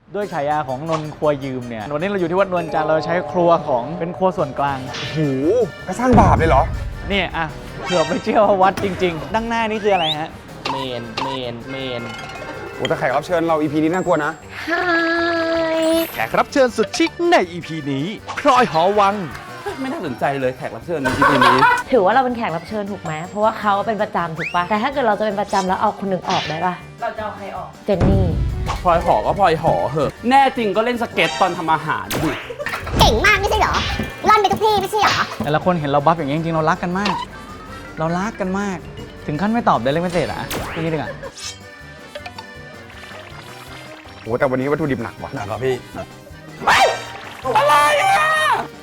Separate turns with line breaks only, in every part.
ด้วยฉายาของนนท์ครัวยืมเนี่ยวันนี้เราอยู่ที่วัดนวลจันทร์เราใช้ครัวของเป็นครัวส่วนกลาง
โอ้โหก็สร้างบาปเลยเหรอ
เนี่ยอ่ะเผื่อไม่เชื่อว่าวัดจริงๆดั้งหน้านี่คืออะไรฮะ
เมน
โอ้แต่แขกรับเชิญเรา EP นี้น่ากลัวนะ
แขกรับเชิญสุดชิคใน EP นี้พลอยหอวัง
ไม่น่าสนใจเลยแขกรับเชิญใน EP นี้
ถือว่าเราเป็นแขกรับเชิญถูกไหมเพราะว่าเขาเป็นประจำถูกปะแต่ถ้าเกิดเราจะเป็นประจำแล้วเอาคนหนึ่งออกได้ปะเราจะเอาใครออกเจนนี่
พลอยหอก็พลอยหอเหอะแน่จริงก็เล่นสเก็ตตอนทำอาหารดิ
เก่งมากไม่ใช่เหรอร่อนไปทุกที่ไม่ใช่เหรอ
แต่ละคนเห็นเราบัฟอย่างนี้จริงๆเรารักกันมาก เรารักกันมาก ถึงขั้นไม่ตอบได้เลยไม่เสร็จอ่ะพี่นี่ดีกว่า
โอ้แต่วันนี้วัตถุดิบหนักว่ะ
หนักเหรอพี่
อะไรอ่ะ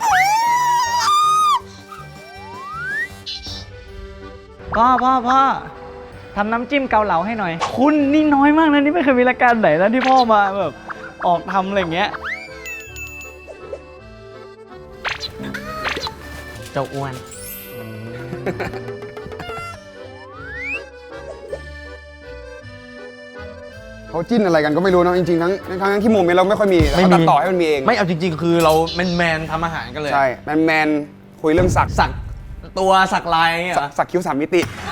พ่อทำน้ำจิ้มเกาเหลาให้หน่อย คุณนี่น้อยมากนะนี่ไม่เคยมีรายการไหนนะที่พ่อมาแบบออกทำอะไรอย่างเงี้ยเจ้าอ้วน
เขาจิ้นอะไรกันก็ไม่รู้เนอะจริงๆทั้งที่โมเมนต์เราไม่ค่อยมีเราตัดต่อให้มันมีเอง
ไม่เอาจริงๆ คือเราแมนทำอาหารกันเลย
ใช่แมนคุยเรื่องสัก
สักตัวสักลายอย่างเงี้ยเหรอ
สักคิ้ว3 มิติ